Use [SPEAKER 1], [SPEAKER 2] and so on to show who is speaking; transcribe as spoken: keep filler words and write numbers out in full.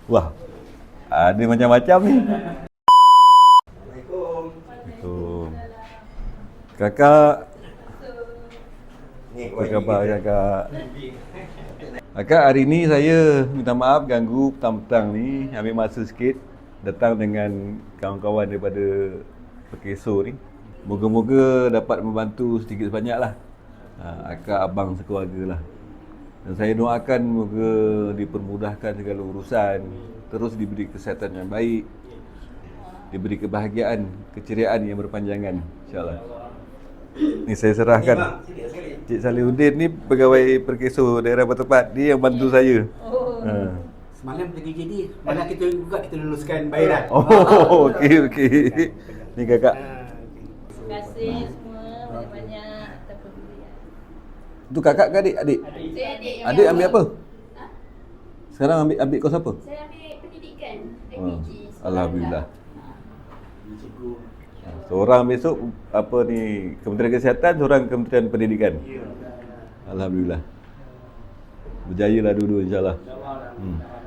[SPEAKER 1] Wah, ada macam-macam ni.
[SPEAKER 2] Assalamualaikum.
[SPEAKER 1] Assalamualaikum. Kakak,
[SPEAKER 2] Ni
[SPEAKER 1] apa khabar kakak? Kakak, hari ni saya minta maaf ganggu petang-petang ni, ambil masa sikit datang dengan kawan-kawan daripada Perkeso ni. Moga-moga dapat membantu sedikit sebanyak lah. Ha, akak, abang sekeluarga lah. Dan saya doakan moga dipermudahkan segala urusan, terus diberi kesihatan yang baik, diberi kebahagiaan, keceriaan yang berpanjangan, insyaAllah. Ni saya serahkan. Cik Salihuddin ni pegawai Perkeso daerah Bertepat. Dia yang bantu saya.
[SPEAKER 3] Oh.
[SPEAKER 1] Ha.
[SPEAKER 2] Semalam pergi J D, malah kita juga kita luluskan bayaran.
[SPEAKER 1] Oh, okey okey. Ni kakak.
[SPEAKER 3] Terima kasih semua banyak-banyak atas pedulian.
[SPEAKER 1] Tu kakak ke adik? Adik.
[SPEAKER 3] Saya adik yang
[SPEAKER 1] Adik ambil apa?
[SPEAKER 3] Ha?
[SPEAKER 1] Sekarang ambil ambil kos apa?
[SPEAKER 3] Saya ambil pendidikan
[SPEAKER 1] Oh,
[SPEAKER 3] I P G.
[SPEAKER 1] Alhamdulillah. Seorang besok apa ni Kementerian Kesihatan, seorang Kementerian Pendidikan. Alhamdulillah. Berjayalah dua-dua insya-Allah. Hmm.